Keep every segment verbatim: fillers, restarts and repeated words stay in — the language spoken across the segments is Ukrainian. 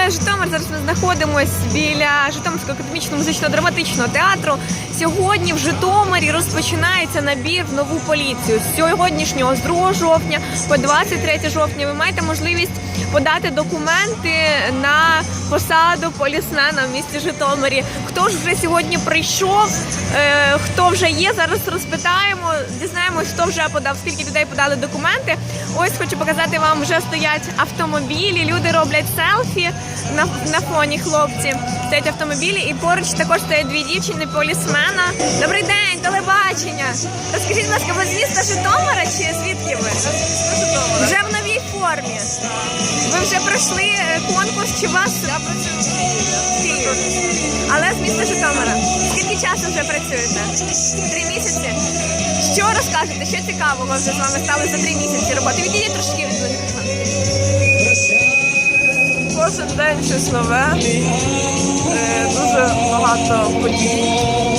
міста Житомир. Зараз ми знаходимося біля Житомирського академічного музично-драматичного театру. Сьогодні в Житомирі розпочинається набір в нову поліцію. З сьогоднішнього, з другого жовтня по двадцять третє жовтня, ви маєте можливість подати документи на посаду полісмена в місті Житомирі. Хто ж вже сьогодні прийшов, е, хто вже є, зараз розпитаємо, дізнаємось, хто вже подав, скільки людей подали документи. Ось хочу показати вам, вже стоять автомобілі, люди роблять селфі на, на фоні, хлопці. Стоять автомобілі і поруч також стоять дві дівчини полісмена. Добрий день, телебачення. Розкажіть, будь ласка, ви з міста Житомира чи звідки ви? Вже в новій формі. Ви вже пройшли конкурс, чи вас? Я працюю в Києві. Але з міста Житомира. Скільки часу вже працюєте? Три місяці? Що розкажете? Що цікавого вже з вами стали за три місяці роботи? Відійдіть трошки від мікрофону. Кожен день щось нове, е, дуже багато подій.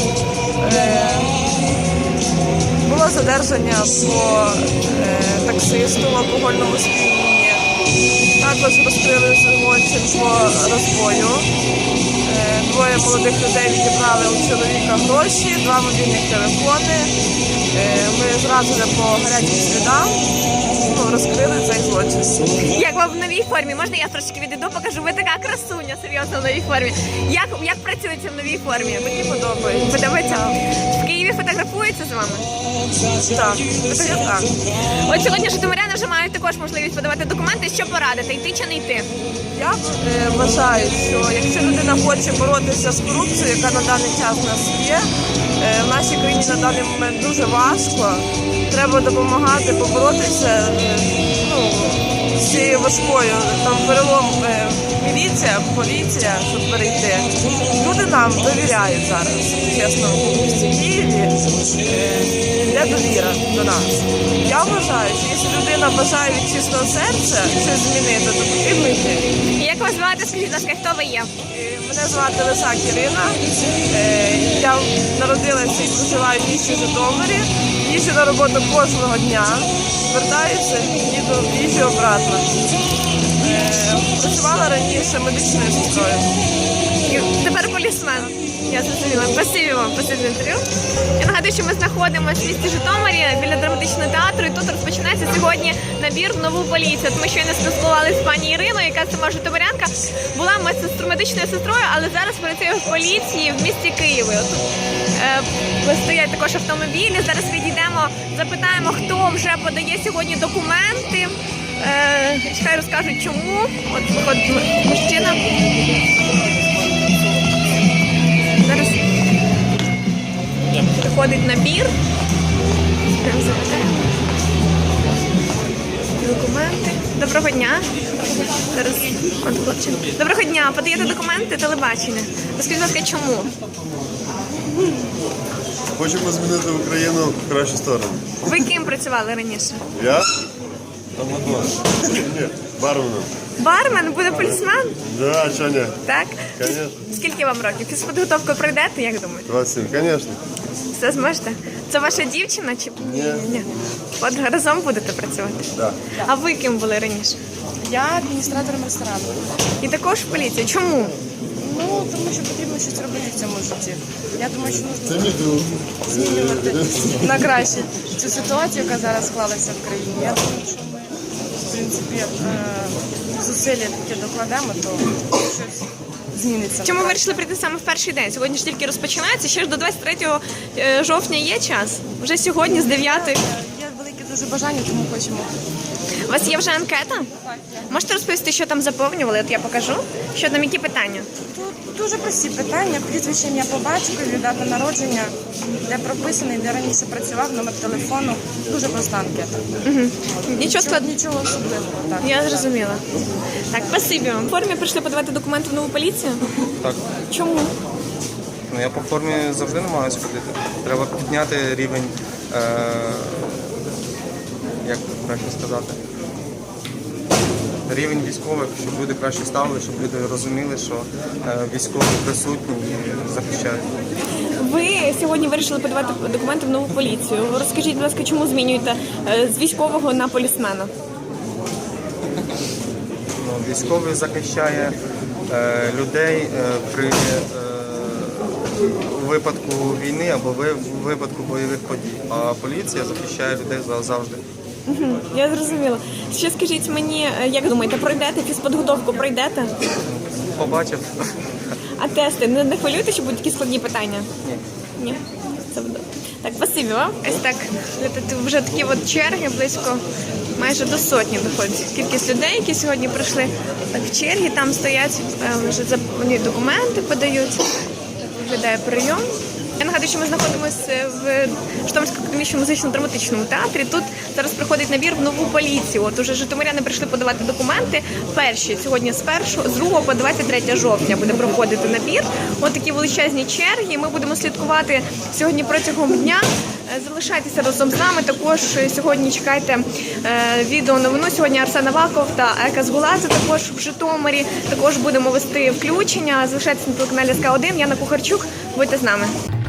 Е, було задержання по е, таксисту в алкогольному сп'янінні. Також розкрили злочин по розбою. Е, двоє молодих людей відібрали у чоловіка гроші, два мобільних телефони. Е, ми зразу по гарячим слідам розкрили цей злочин. Як вам в новій формі? Можна я трошки відійду, покажу? Ви така красуня, серйозно, в новій формі. Як, як працюється в новій формі? Мені подобається. Подобається? В Києві фотографуються з вами? Так, всі так. От сьогодні житомиряни вже мають також можливість подавати документи. Що порадити? Йти чи не йти? Я е, вважаю, що якщо людина хоче боротися з корупцією, яка на даний час у нас є, е, в нашій країні на даний момент дуже важко, треба допомагати поборотися е, ну, з цією важкою. Там перелом е, міліція, поліція, щоб перейти. Люди нам довіряють зараз, чесно, в місті Києві. Е, Є довіра до нас. Я вважаю, що якщо людина бажає від чистого серця щось змінити, то потрібно йти. І як вас звати? Скажіть, будь ласка, хто ви є? Мене звати Лисак Ірина. Я народилася і проживаю в місті Житомирі. Їжджу на роботу кожного дня. Вертаюся, їду, їжджу обратно. Працювала раніше медичною сестрою. І тепер полісмен. Я зрозуміла. Спасибі вам, спасибі за інтерв'ю. Я нагадую, що ми знаходимося в місті Житомирі біля драматичного театру, і тут розпочинається сьогодні набір в нову поліцію. Ми щойно спілкувалися з пані Іриною, яка сама житомирянка, була медсестру, медичною сестрою, але зараз працює в поліції в місті Києві. От тут е, стоять також автомобілі. Зараз відійдемо, запитаємо, хто вже подає сьогодні документи. Е, хай розкажуть, чому. От виходить мужчина. Зараз приходить набір. Документи. Доброго дня. Зараз. От, хлопчик. Доброго дня. Подаєте документи телебачення. Розкажіть, будь ласка, чому? Хочемо змінити Україну в кращу сторону. Ви ким працювали раніше? Я? Амадор. Ні, барменом. Бармен? Буде полісмен? Да, чого ні? Так? Конечно. Скільки вам років? Фізподготовку пройдете, як думаєте? двадцять сім, конечно. Все зможете? Це ваша дівчина чи Ні. Ні. От разом будете працювати? Да. А ви ким були раніше? Я адміністратором ресторану. І також в поліції. Чому? Ну, тому що потрібно щось робити в цьому житті. Я думаю, що Це потрібно мій друг. змінювати на краще цю ситуацію, яка зараз склалася в країні. Я думаю, що ми, в принципі, е, зусилля таке докладемо, то щось зміниться. Чому ви вирішили прийти саме в перший день? Сьогодні ж тільки розпочинається, ще ж до двадцять третього жовтня є час. Вже сьогодні з дев'ятої. Є велике дуже бажання, тому хочемо. У вас є вже анкета? Можете розповісти, що там заповнювали? От я покажу. Що там, які питання? Тут дуже прості питання. Прізвище, ім'я по батькові, дата народження, де прописаний, де раніше працював, номер телефону. Дуже проста анкета. Угу. Нічого складного. Нічого особливого. Так. Я зрозуміла. Так, спасибі вам. В формі прийшли подавати документи в нову поліцію? Так. Чому? Ну, я по формі завжди намагаюся ходити. Треба підняти рівень, е- як краще сказати, рівень військових, щоб люди краще ставили, щоб люди розуміли, що е- військові присутні і захищають. Ви сьогодні вирішили подавати документи в нову поліцію. Розкажіть, будь ласка, чому змінюєте е, з військового на полісмена? Ну, військовий захищає е, людей е, при е, у випадку війни або ви- у випадку бойових подій. А поліція захищає людей за- завжди. Я зрозуміла. Ще скажіть мені, е, як думаєте, пройдете фізподготовку, пройдете? Побачив. А тести не, не хвилюєте, що будуть такі складні питання? Ні. Ні. Це буде. Так, спасибі вам. Ось так. Тут вже такі от черги близько майже до сотні доходить. Кількість людей, які сьогодні прийшли так в черги, там стоять, е, вже за- вони документи подають. Так виглядає прийом. Я нагадую, що ми знаходимося в Житомирському академічному музично-драматичному театрі. Тут зараз проходить набір в нову поліцію. От уже житомиряни прийшли подавати документи. Перші сьогодні з першого, з другого по двадцять третє жовтня буде проходити набір. От такі величезні черги. Ми будемо слідкувати сьогодні протягом дня. Е, Залишайтеся разом з нами. Також сьогодні чекайте е, відео новину. Сьогодні Арсен Аваков та Ека Згуладзе також в Житомирі. Також будемо вести включення. Залишайтеся на телеканалі ес ка один. Яна Кухарчук. Будьте з нами.